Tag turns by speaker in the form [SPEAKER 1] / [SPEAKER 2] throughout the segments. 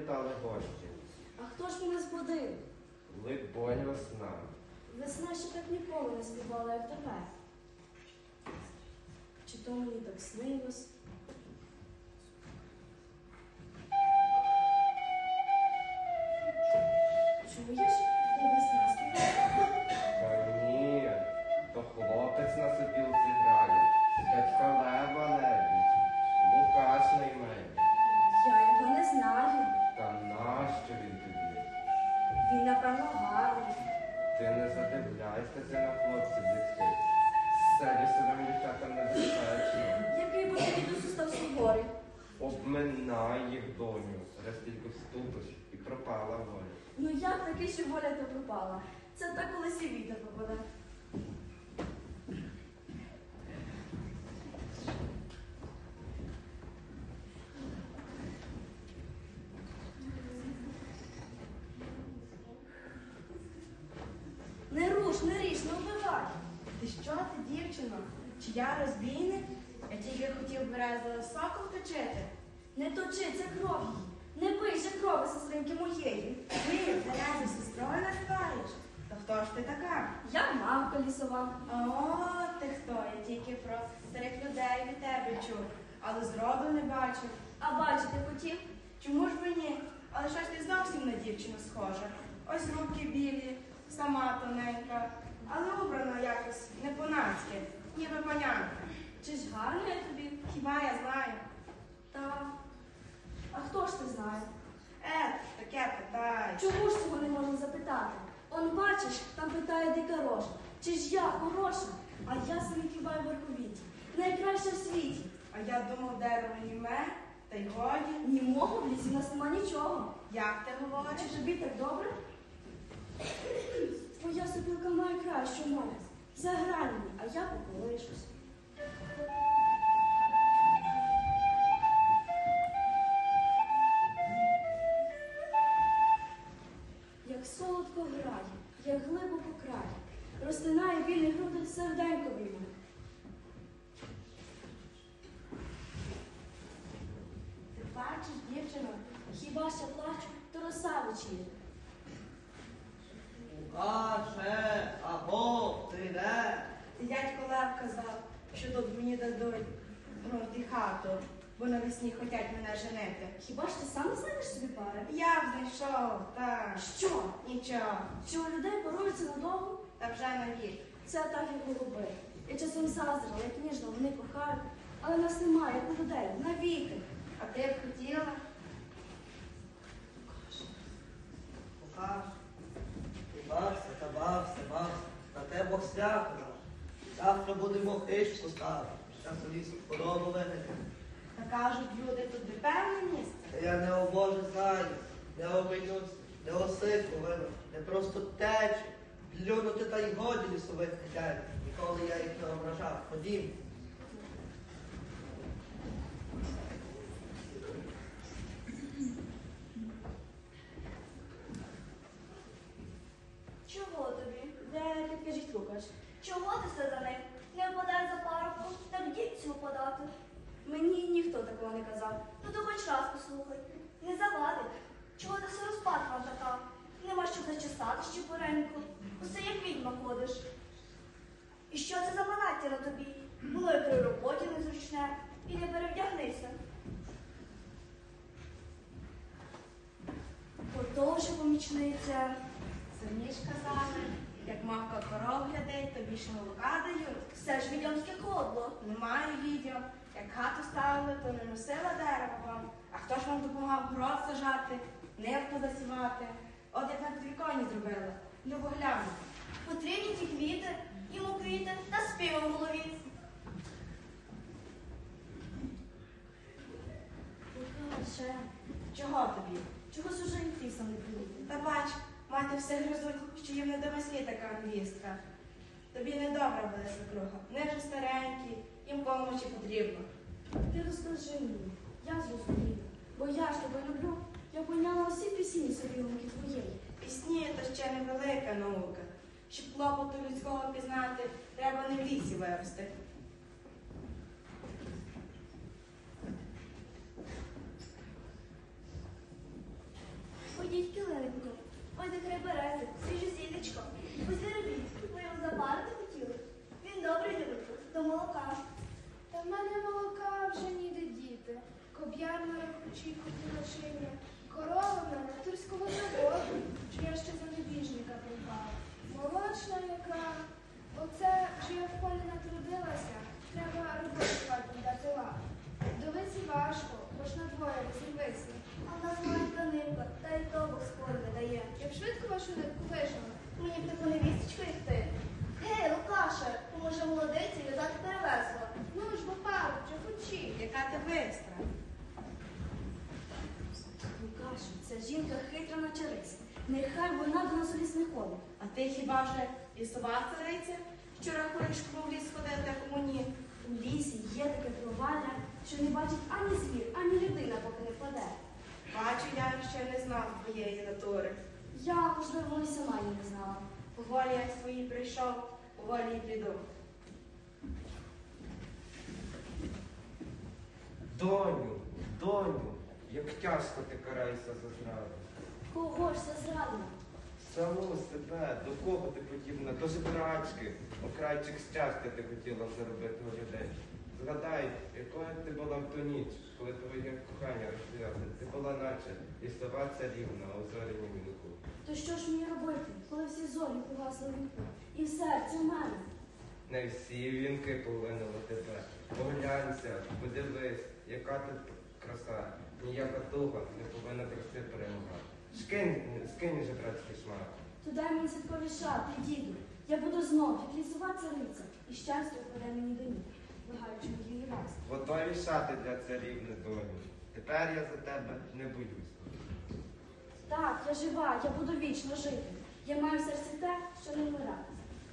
[SPEAKER 1] завітали гості.
[SPEAKER 2] А хто ж мене збудив?
[SPEAKER 1] Либонь весна.
[SPEAKER 2] Весна ще так ніколи не співала, як тебе. Чи то мені так снилось? Чуєш, де весна співає?
[SPEAKER 1] Та ні, то хлопець на сопілці грає. Дядька Лева небудь. Лукаш на імені.
[SPEAKER 2] Я його не знаю.
[SPEAKER 1] Та нащо він тобі?
[SPEAKER 2] Він, напевно, гарний.
[SPEAKER 1] Ти не задивляйся на хлопців дітей. Селі своїм дівчатам небезпечно.
[SPEAKER 2] Який би тобі досі став суворий.
[SPEAKER 1] Обминай їх, доню, раз тільки вступиш і пропала воля.
[SPEAKER 2] Ну як таки, що воля то пропала? Це так колись і вітер попаде. Не руш, не ріж, не вбивай.
[SPEAKER 3] Ти що ти, дівчино? Чи я розбійник? Я тільки хотів березовий сокол точити.
[SPEAKER 2] Не точи, це кров її. Не пий же крови сестринки моєї.
[SPEAKER 3] Ти березу сестрою називаєш? То хто ж ти така?
[SPEAKER 2] Я мамка лісова.
[SPEAKER 3] О, ти хто? Я тільки про старих людей від тебе чув, але зроду не бачив.
[SPEAKER 2] А бачити хотів?
[SPEAKER 3] Чому ж мені? Але що ж ти зовсім на дівчину схожа? Ось руки білі, сама тоненька, але убрана якось не по-нацьки, ніби панянка.
[SPEAKER 2] Чи ж гарно я тобі?
[SPEAKER 3] Хіба я знаю?
[SPEAKER 2] Та. А хто ж ти знає?
[SPEAKER 3] Таке питай.
[SPEAKER 2] Чому ж цього не можна запитати? Он бачиш, там питає дика рожа. Чи ж я хороша? А я самі хіба й верховіті. Найкраща в світі.
[SPEAKER 3] А я думав, дерево німе, та й годі.
[SPEAKER 2] Німого в лісі у нас нема нічого.
[SPEAKER 3] Як ти говориш?
[SPEAKER 2] Чи тобі так добре? Твоя сопілка має кращу мову. Заграй мені, а я поколишусь. Як солодко грає, як глибоко крає, розтинає вільні груди серденько вільне.
[SPEAKER 3] Ти бачиш, дівчино?
[SPEAKER 2] Хіба ще плачу, то роса вечіря.
[SPEAKER 4] Лукаше, аго, ти де?
[SPEAKER 3] І дядько Лев казав, що тут мені дадуть і хату, бо навесні хочуть мене женити.
[SPEAKER 2] Хіба ж ти сам не знайдеш собі пари?
[SPEAKER 3] Я б знайшов, так.
[SPEAKER 2] Що?
[SPEAKER 3] Нічого.
[SPEAKER 2] Що у людей поруються надовго?
[SPEAKER 3] Та вже навік.
[SPEAKER 2] Це так, як голуби. Я часом заздрила, як ніжно вони кохають, але нас немає, як у людей, навіки.
[SPEAKER 3] А ти б хотіла?
[SPEAKER 4] Лукаш, ти бався, на те Бог свято наш. Завтра будемо хищку ставити, щас у лісу худобу винити.
[SPEAKER 3] Та кажуть, люди тут де певне місце.
[SPEAKER 4] Та я не о Боже знаю, не обійнусь, не осику вину, не просто течі, плюнути та й годі лісових хазяїв. Ніколи я їх не ображав. Ходім.
[SPEAKER 2] Чого тобі? Де підкажіть, Лукаш? Чого ти все за ним? Не впадай за парубку, так дітцю подати. Мені ніхто такого не казав. Ну то хоч раз послухай. Не завадить. Чого ти все розпатлива така? Нема що зачесати щепореньку. Усе як відьма ходиш. І що це за манаття на тобі? Було і при роботі незручне. І не перевдягнися. Отож, помічниця.
[SPEAKER 3] Самі ж казали, як мавка коров глядить, то більше молока дають.
[SPEAKER 2] Все ж відьомське кодло.
[SPEAKER 3] Немає відео. Як хату ставили, то не носила дерево вам. А хто ж вам допомагав город сажати, нивку засівати? От як на підвіконні зробили. Ну, бо гляну.
[SPEAKER 2] Потрібні ті квіти, йому квіти та співа в голові. Лукаше,
[SPEAKER 3] Чого тобі?
[SPEAKER 2] чогось уже і ти сам не прийти.
[SPEAKER 3] Та бач, мати все гризуть, що їм не до веслі така невістка. Тобі недобра буде свекруха. Вони вже старенькі, їм помочі потрібно.
[SPEAKER 2] Ти розкажи мені, я зрозумію, бо я ж тебе люблю. Я поняла всі пісні собілки твоєї.
[SPEAKER 3] Пісні то ще невелика наука. Щоб клопоту людського пізнати, треба не в лісі вирости.
[SPEAKER 2] березик, свіже сіточко. Ось не робіть, ви його запарити хотіли. Він добре любить до молока.
[SPEAKER 5] Та в мене молока вже ніде діти. Коб'яр на рахучі хотіла шиня. Корова в мене турського заводу, чи я ще за небіжника припала. Молочна яка. Оце, що я в полі натрудилася, треба роботи хатній дати лад. Довиці важко, бо ж на двоє розірвися.
[SPEAKER 2] А в нас маленька нивка, та й то Бог скоро не дає.
[SPEAKER 5] Я б швидко вашу нитку вижила.
[SPEAKER 2] Мені б таку невісточку, як ти. Гей, Лукаше, поможе молодиці в'язати перевесла.
[SPEAKER 5] Ну ж, бо пару, вже хочі.
[SPEAKER 3] Яка ти бистра.
[SPEAKER 2] Лукашу, ця жінка хитра на чарись. Нехай вона до нас у ліс не ходить.
[SPEAKER 3] А ти хіба вже лісова цариця? Вчора колишку в ліс ходити, а кому ні?
[SPEAKER 2] У лісі є таке провалля, що не бачить ані звір, ані людина, поки не впаде.
[SPEAKER 3] Бачу, я ще не знав твоєї натури.
[SPEAKER 2] Я, можливо, і сама її не знала.
[SPEAKER 3] Поволі як свої прийшов, поволі й піду.
[SPEAKER 1] Доню, як тяжко ти караєшся за зраду.
[SPEAKER 2] Кого ж це зрадила?
[SPEAKER 1] Саму себе, до кого ти подібна? До жебрачки. Окрайчик щастя ти хотіла заробити у людей. Згадай, якою ти була в ту ніч, коли твоє кохання розв'язане. Ти була наче лісова царівна у зорянім вінку.
[SPEAKER 2] То що ж мені робити, коли всі зорі погасли в вінку? І в серці в мене?
[SPEAKER 1] Не всі вінки полинули тебе. Поглянься, подивись, яка тут краса. Ніяка туга не повинна краси перемагати. Скинь жебрацький шмат.
[SPEAKER 2] То дай мені святкові шати, діду. Я буду знов, як лісова цариця, і щастя впаде мені до ніг, благаючи моїй ласки.
[SPEAKER 1] Готові шати для царівни доню. Тепер я за тебе не боюсь.
[SPEAKER 2] Так, я жива, я буду вічно жити. Я маю в серці те, що не вмирати.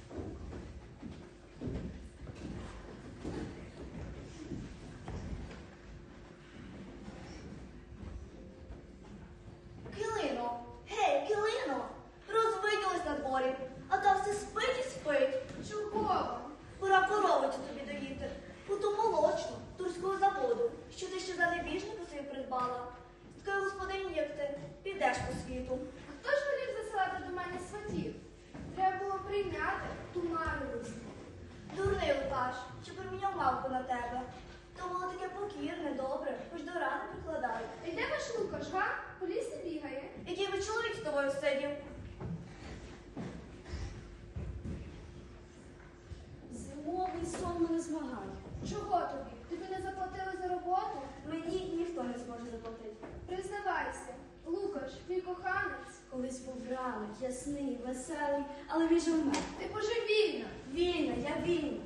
[SPEAKER 2] Килино! Гей, Килино! Розвиділась на дворі, а та все спить і спить.
[SPEAKER 5] Чого?
[SPEAKER 2] Пора коровицю тобі доїти. У ту молочну, турського заводу, що ти ще за небіжника собі придбала. З такою господині, як ти, підеш по світу.
[SPEAKER 5] Хто ж волів засилати до мене сватів? Треба було прийняти ту марвелицю.
[SPEAKER 2] Дурний Лукаш, що проміняв мавку на тебе. То було таке покірне, добре, хоч до рани прикладає.
[SPEAKER 5] І де ваш Лукаш, га? По лісі бігає.
[SPEAKER 2] Який би чоловік з тобою сидів? Зимовий сон мене змагає.
[SPEAKER 5] Чого тобі? Тобі не заплатили за роботу?
[SPEAKER 2] Мені ніхто не зможе заплатити.
[SPEAKER 5] Признавайся, Лукаш, твій коханець.
[SPEAKER 2] Колись був ранок, ясний, веселий, але він же вмер.
[SPEAKER 5] Ти божевільна.
[SPEAKER 2] Вільна, я вільна.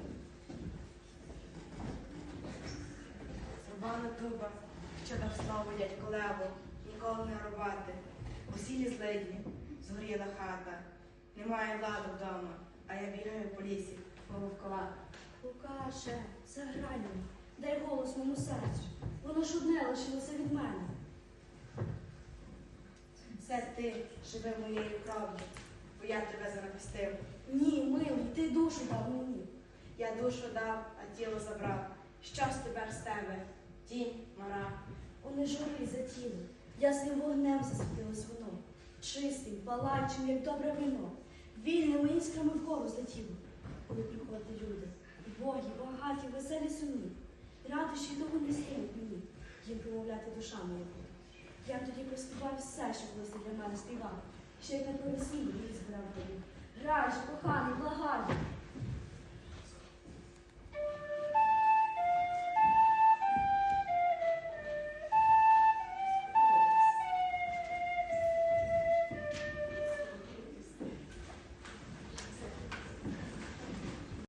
[SPEAKER 3] Рубана дуба, що дав славу дядько Леву, ніколи не рубати. Усі злидні, згоріла хата. Немає влади вдома, а я бігаю по лісі, пововкувати.
[SPEAKER 2] Лукаше, заграй мені, дай голос моєму серцю. Воно ж одне лишилося від мене.
[SPEAKER 3] Все ти живи моєю кров'ю, бо я тебе захистив.
[SPEAKER 2] Ні, милий, ти душу дав мені.
[SPEAKER 3] Я душу дав, а тіло забрав. Що ж тепер з тебе? Тінь, мара.
[SPEAKER 2] О, не жури за тіло, ясним вогнем засвітилось воно. Чистим, палаючим, як добре вино. Вільними іскрами вгору злетіло. Коли приходять люди, богі, багаті, веселі сумні. Радощі того не стають мені, їм промовляти душа моя буде. Я тоді проспіваю все, що колись ти для мене співав. Ще як на провесіллі їх збирав тобі. Грай же, коханий, благаю,